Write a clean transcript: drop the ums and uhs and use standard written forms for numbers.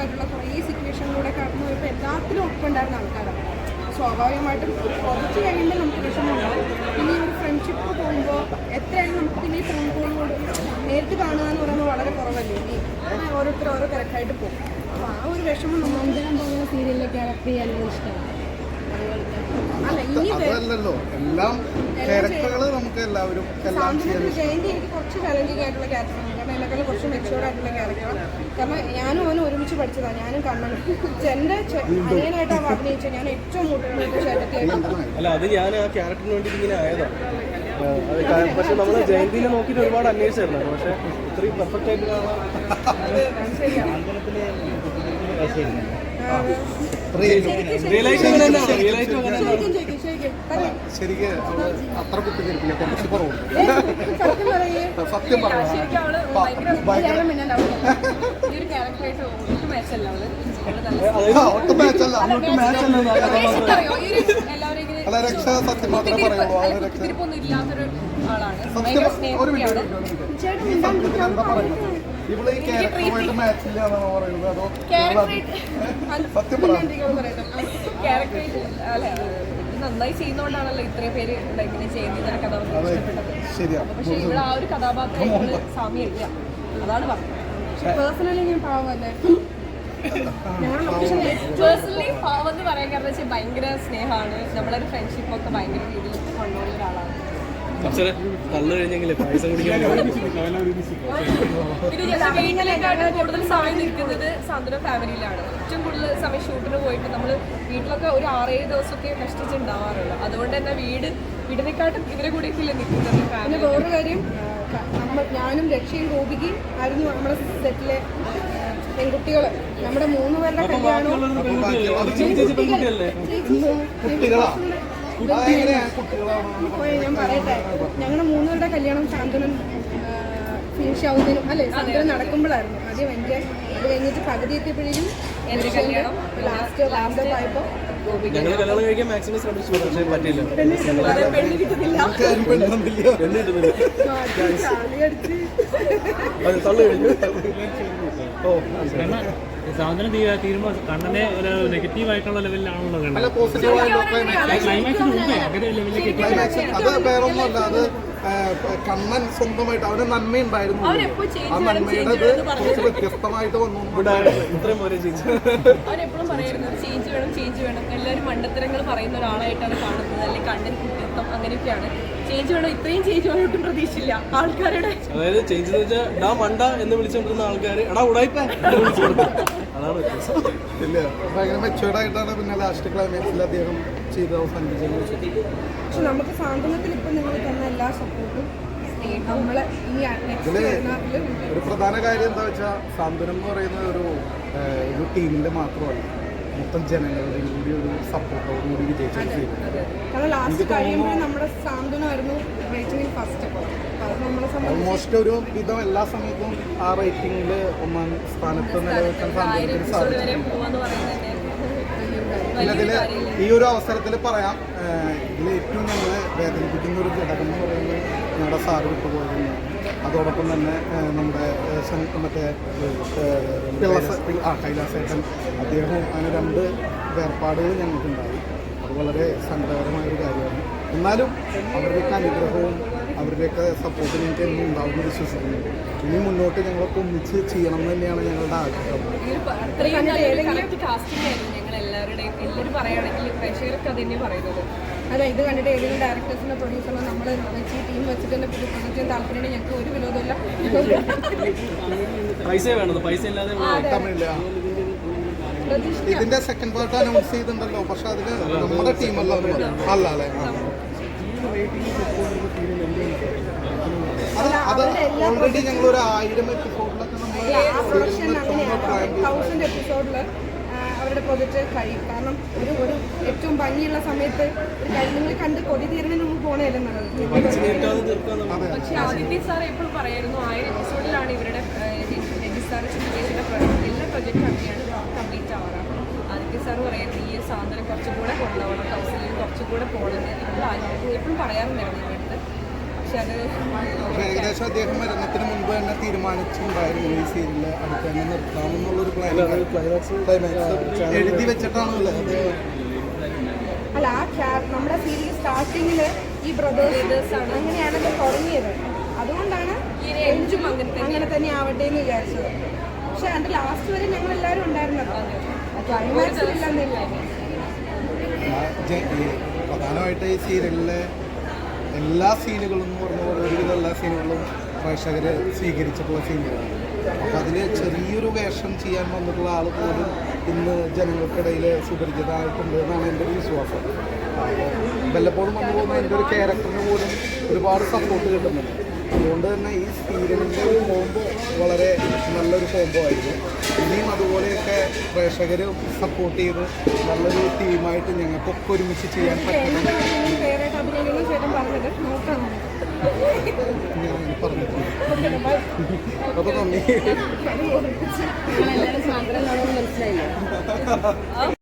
ആയിട്ടുള്ള കുറേ സിറ്റുവേഷനിലൂടെ കടന്നു പോയപ്പോൾ എല്ലാത്തിലും ഒപ്പുണ്ടായിരുന്ന ആൾക്കാരാണ്. സ്വാഭാവികമായിട്ടും കുറച്ച് കഴിയുമ്പോൾ നമുക്ക് വിഷമമുണ്ടാവും. പിന്നെ ഒരു ഫ്രണ്ട്ഷിപ്പ് പോകുമ്പോൾ എത്രയായാലും നമുക്ക് പിന്നെ ഈ ഫോൺ കോൾ കൊണ്ട് നേരിട്ട് കാണുക എന്ന് പറയുമ്പോൾ വളരെ കുറവല്ലേ. ഇനി ഓരോരുത്തർ ഓരോ തിരക്കായിട്ട് പോകും. അപ്പോൾ ആ ഒരു വിഷമം നമ്മൾ എന്തെങ്കിലും പോകുന്ന സീരിയലിലെ ക്യാരക്ടർ ചെയ്യാനുള്ള ഇഷ്ടമാണ്. അല്ല ഇനി അതല്ലല്ലോ, എല്ലാം ക്യാരക്ടറുകൾ നമുക്ക് എല്ലാവരും ജയന്തി എനിക്ക് കുറച്ച് ചലഞ്ചിങ് ആയിട്ടുള്ള ക്യാരക്ടറാണ്. കാരണം എന്നെക്കാളും കുറച്ച് മെച്ചുവേർഡ് ആയിട്ടുള്ള ക്യാരക്ടറാണ്. കാരണം ഞാനും അവനും ഒരുമിച്ച് പഠിച്ചതാണ്. ഞാനും കണ്ണനും എൻ്റെ അനിയനായിട്ട് അവ അഭിനയിച്ച ഞാൻ ഏറ്റവും മുട്ടുന്ന ചേട്ടത്തിയായിട്ട്. അല്ല അത് ഞാൻ ആ ക്യാരക്ടറിന് വേണ്ടി ഇങ്ങനെ ആയതാണ്. പക്ഷെ നമ്മൾ ജയന്തിനെ നോക്കിയിട്ട് ഒരുപാട് അന്വേഷിച്ചായിരുന്നു. പക്ഷെ ഇത്രയും പെർഫെക്റ്റ് ആയിട്ട് കാണാൻ ശരിക്കും അത്ര കുത്തിരിക്കില്ല, കുറച്ച് കുറവുണ്ട്. സത്യം അല്ല രക്ഷ സത്യം മാത്രമേ പറയുള്ളൂ. ഒരു മിനിറ്റ് എന്താ പറയുന്നത്, ഇവിടെ ഈ ക്യാരക്ടറുമായിട്ട് മാച്ചില്ല എന്നാണോ പറയുന്നത്, അതോ സത്യം പറയാം നന്നായി ചെയ്യുന്നോണ്ടാണല്ലോ ഇത്രയും പേര് ഇങ്ങനെ ചെയ്യുന്നത് കഥാപാത്രം ഇഷ്ടപ്പെട്ടത്. പക്ഷെ ഇവിടെ ആ ഒരു കഥാപാത്രം സാമ്യമില്ല, അതാണ് പറഞ്ഞത്. പേഴ്സണലി ഞാൻ പാവമല്ലേ, പേഴ്സണലി പാവം എന്ന് പറയാൻ കാരണം വെച്ചാൽ ഭയങ്കര സ്നേഹമാണ്. നമ്മളൊരു ഫ്രണ്ട്ഷിപ്പൊക്കെ ഭയങ്കര രീതിയിൽ കൊണ്ടുപോകുന്ന ഒരാളാണ്. വീട്ടിലേക്കാണ് കൂടുതൽ സമയം നിൽക്കുന്നത് സാന്ത്വന ഫാമിലിയിലാണ്. ഏറ്റവും കൂടുതൽ സമയം ഷൂട്ടിന് പോയിട്ട് നമ്മൾ വീട്ടിലൊക്കെ ഒരു 6-7 ദിവസമൊക്കെ കഷ്ടിച്ചുണ്ടാവാറുള്ളൂ. അതുകൊണ്ട് തന്നെ വീടിനെക്കാട്ടും ഇവരെ കൂടെ ഇല്ല നിൽക്കുന്നത്. പിന്നെ വേറൊരു കാര്യം, ഞാനും രക്ഷയും ഗോപികയും ആയിരുന്നു നമ്മുടെ സെറ്റിലെ പെൺകുട്ടികൾ. നമ്മുടെ 3 പേരുടെ കല്യാണവും ഞാൻ പറയട്ടെ, ഞങ്ങളുടെ 3 പേരുടെ കല്യാണം സാന്ത്വനം ഫിനിഷ് ആവുന്നതിനും അല്ലേ സാന്ത്വനം നടക്കുമ്പോഴായിരുന്നു ആദ്യം എൻ്റെ. അത് കഴിഞ്ഞിട്ട് പകുതി എത്തിയപ്പോഴേക്കും എൻ്റെ കല്യാണം ലാസ്റ്റ് ആയപ്പോൾ പെണ്ണ് കിട്ടുന്നില്ല. സാധനം തീരുമ്പോൾ കണ്ണനെ ഒരു നെഗറ്റീവ് ആയിട്ടുള്ള ലെവലിലാണല്ലോ കണ്ടത്. അത് വേറൊന്നുമല്ല, അത് കണ്ണൻ സ്വന്തമായിട്ട് അവന് നന്മയുണ്ടായിരുന്നു. ആ നന്മയുടെ കുറച്ച് വ്യത്യസ്തമായിട്ട് വന്നു. അവരെപ്പോഴും പറയുന്നത് ചേഞ്ച് വേണം. എല്ലാവരും മണ്ടത്തരങ്ങൾ പറയുന്ന ഒരാളായിട്ടാണ് കാണുന്നത്. അല്ലെങ്കിൽ കണ്ണൻ കുട്ടിത്തം അങ്ങനെയൊക്കെയാണ്. ചേഞ്ച് വേണം, ഇത്രയും ചേഞ്ച് വേണം ഒട്ടും പ്രതീക്ഷയില്ല ആൾക്കാരുടെ. അതായത് ചേഞ്ച് എന്ന് വെച്ചാൽ ഡാ മണ്ട എന്ന് വിളിച്ചുകൊണ്ടിരുന്ന ആൾക്കാർ എടാ ഉടായിപ്പ അതാണ് വ്യത്യാസം. ഇല്ല, ഭയങ്കര മെച്ചുവേർഡ് ആയിട്ടാണ് പിന്നെ ലാസ്റ്റ് ക്ലൈമാക്സിൽ അദ്ദേഹം ചെയ്ത് അവസാനിപ്പിച്ചത്. പക്ഷെ നമുക്ക് സാന്ത്വനത്തിൽ ഇപ്പം നിങ്ങൾ തന്ന എല്ലാ സപ്പോർട്ടും നമ്മളെ ഒരു പ്രധാന കാര്യം എന്താ വെച്ചാൽ സാന്ത്വനം എന്ന് പറയുന്നത് ഒരു ടീമിന്റെ മാത്രമല്ല, മൊത്തം ജനങ്ങളുടെയും കൂടി ഒരു സപ്പോർട്ടോടുകൂടി വിജയിച്ചു. കാരണം ലാസ്റ്റ് കഴിയുമ്പോൾ നമ്മുടെ സാന്ത്വനമായിരുന്നു റേറ്റിംഗിൽ ഫസ്റ്റ്. ഓൾമോസ്റ്റ് ഒരു വിധം എല്ലാ സമയത്തും ആ റേറ്റിംഗിൽ 1ാം സ്ഥാനത്ത് നിലനിൽക്കാൻ സാന്ത്വനത്തിന് സാധിച്ചു. ഇതിൽ ഈ ഒരു അവസരത്തിൽ പറയാം, ഇതിൽ ഏറ്റവും ഞങ്ങൾ വേദനിപ്പിക്കുന്ന ഒരു ഘടകം എന്ന് പറയുന്നത് ഞങ്ങളുടെ സാറ് വിട്ടുപോയതാണ്. അതോടൊപ്പം തന്നെ നമ്മുടെ മറ്റേ കൈലാസേട്ടൻ അദ്ദേഹവും അങ്ങനെ 2 വേർപാടുകൾ ഞങ്ങൾക്കുണ്ടായി. അത് വളരെ സങ്കടകരമായൊരു കാര്യമാണ്. എന്നാലും അവരുടെയൊക്കെ അനുഗ്രഹവും അവരുടെയൊക്കെ സപ്പോർട്ട് ഞങ്ങൾക്ക് എന്നും ഉണ്ടാവുമെന്ന് വിശ്വസിക്കുന്നു. ഇനി മുന്നോട്ട് ഞങ്ങളൊക്കെ ഒന്നിച്ച് ചെയ്യണം എന്ന് തന്നെയാണ് ഞങ്ങളുടെ ആഗ്രഹം. എല്ലാവരും പറയുകയാണെങ്കിൽ പ്രേക്ഷകർക്ക് അത് തന്നെ പറയുന്നത്. അല്ല, ഇത് കണ്ടിട്ട് ഏതെങ്കിലും ഡയറക്ടേഴ്സിൻ്റെ പ്രൊഡ്യൂസറിനോ നമ്മൾ വെച്ച് ടീം വെച്ചിട്ട് തന്നെ പുതിയ പ്രൊജക്റ്റ് ചെയ്യാൻ താല്പര്യമുണ്ട്. ഞങ്ങൾക്ക് ഒരു വിരോധമില്ല. പൈസ ഇല്ലാതെ തമിഴില്ല. ഇതിന്റെ സെക്കൻഡ് പാർട്ട് അനൗൺസ് ചെയ്തിട്ടുണ്ടല്ലോ, പക്ഷെ അതിന് നമ്മുടെ ടീമല്ല അല്ല അല്ലേ? അത് ഓൾറെഡി ഞങ്ങൾ ഒരു 1000 എപ്പിസോഡിലൊക്കെ നമ്മൾ 1000 എപ്പിസോഡിൽ അവരുടെ പ്രൊജക്റ്റ് കഴിയും. കാരണം ഒരു ഏറ്റവും ഭംഗിയുള്ള സമയത്ത് നിങ്ങൾ കണ്ട് കൊതി തീരണേ നമുക്ക് പോകണമല്ലോ നല്ലത്. പക്ഷേ ആദിത്യ സാർ എപ്പോഴും പറയായിരുന്നു 1000 എപ്പിസോഡിലാണ് ഇവരുടെ രജിത് സാർ എല്ലാ പ്രൊജക്റ്റും അങ്ങനെയാണ് കംപ്ലീറ്റ് ആവാറാണ്. ആദിത്യ സാർ പറയുന്നത് ഈ സാധനം കുറച്ചും കൂടെ കൊണ്ടുപോകണം, കൗൺസിലിംഗ് കുറച്ചും കൂടെ പോകണമെന്ന് നിങ്ങൾ എപ്പോഴും പറയാറുണ്ടായിരുന്നു എൻ്റെ അടുത്ത്. പക്ഷേ പക്ഷെ അത് പക്ഷേ ഏകദേശം അദ്ദേഹം മരണത്തിന് മുൻപ് തന്നെ തീരുമാനിച്ചിട്ടുണ്ടായിരുന്നു ഈ സീരിയൽ അടുത്ത് തന്നെ നിർത്താമെന്നുള്ളൊരു പ്ലാൻ എഴുതി വെച്ചിട്ടാണല്ലേ അത് അല്ല നമ്മുടെ സീരിയൽ സ്റ്റാർട്ടിങ്ങിൽ ഈ ബ്രദേഴ്സ് ആണ് അങ്ങനെയാണല്ലോ തുടങ്ങിയത്. അതുകൊണ്ടാണ് ഈ എഞ്ചും അങ്ങനെ തന്നെ ആവട്ടെ എന്ന് വിചാരിച്ചത്. പക്ഷെ അതിന്റെ ലാസ്റ്റ് വരെ ഞങ്ങൾ എല്ലാവരും ഉണ്ടായിരുന്നല്ലോ. ക്ലൈമാക്സിലില്ലെന്നില്ല. പ്രധാനമായിട്ട് ഈ സീരിയലിലെ എല്ലാ സീനുകളും എന്ന് പറഞ്ഞ പോലെ ഒരുവിധം എല്ലാ സീനുകളും പ്രേക്ഷകർ സ്വീകരിച്ചിട്ടുള്ള സീനുകളാണ്. അപ്പോൾ അതിൽ ചെറിയൊരു വേഷം ചെയ്യാൻ വന്നിട്ടുള്ള ആൾ പോലും ഇന്ന് ജനങ്ങൾക്കിടയിൽ സുപരിചിതമായിട്ടുണ്ട് എന്നാണ് എൻ്റെ ഒരു വിശ്വാസം. വല്ലപ്പോഴും വന്നു പോകുന്ന എൻ്റെ ഒരു ക്യാരക്ടറിന് പോലും ഒരുപാട് സപ്പോർട്ട് കിട്ടുന്നുണ്ട്. അതുകൊണ്ട് തന്നെ ഈ സീരിയലിൻ്റെ ഒരു കോംബോ വളരെ നല്ലൊരു കോംബോ ആയിരുന്നു. ഇനിയും അതുപോലെയൊക്കെ പ്രേക്ഷകർ സപ്പോർട്ട് ചെയ്ത് നല്ലൊരു ടീമായിട്ട് ഞങ്ങൾക്കൊക്കെ ഒരുമിച്ച് ചെയ്യാൻ പറ്റും പേരായിട്ട് അഭിനയിക്കുന്ന ചേട്ടൻ പറഞ്ഞത് നോക്കാം. ഞാൻ പറഞ്ഞിട്ടുണ്ട്. അപ്പോൾ നന്ദി. മനസ്സിലായില്ല.